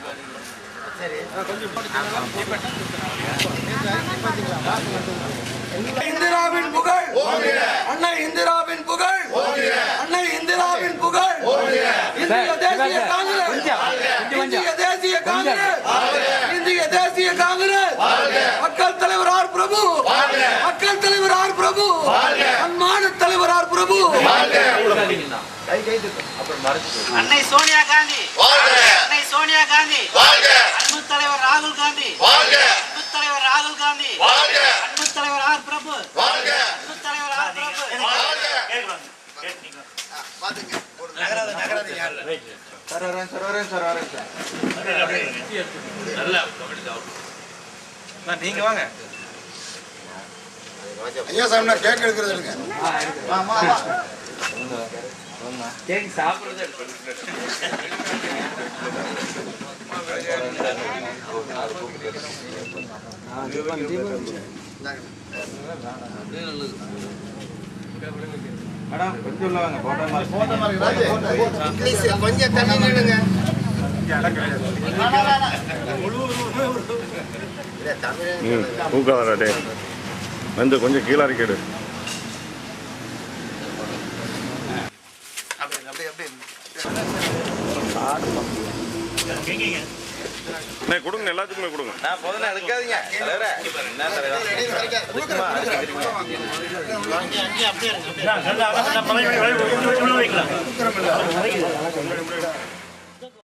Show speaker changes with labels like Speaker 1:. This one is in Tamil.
Speaker 1: இந்திராவின் புகழ், அன்னை இந்திராவின் புகழ், அன்னை இந்திராவின் புகழ். இந்திய தேசிய காங்கிரஸ், இந்திய தேசிய காங்கிரஸ், இந்திய தேசிய காங்கிரஸ். மக்கள் தலைவர் ஆர் பிரபு, மக்கள் தலைவர் ஆர் பிரபு, அன்பான தலைவர் ஆர் பிரபு.
Speaker 2: அன்னை சோனியா காந்தி, அன்னை சோனியா காந்தி, அன்பு தலைவர் ராகுல் காந்தி, அன்பு தலைவர் ராகுல் காந்தி, அன்பு தலைவர் ஆர் பிரபு, அன்பு தலைவர் ஆர் பிரபு.
Speaker 3: நீங்க வாங்க
Speaker 4: ஐயா சாமி நான் கேக் எடுக்கிறது இல்லைங்க.
Speaker 3: கேக் சாப்பிடுறது மேடம் கொஞ்சம் உள்ள வாங்க.
Speaker 4: கொஞ்சம் தண்ணி நின்னுங்க.
Speaker 5: பூக்காதே வந்து கொஞ்சம் கீழே அறிக்கைடு. கொடுங்க எல்லாத்துக்குமே கொடுங்க.
Speaker 3: நான் போதும் எடுக்காதீங்க தலைவரே. என்ன தலைவரே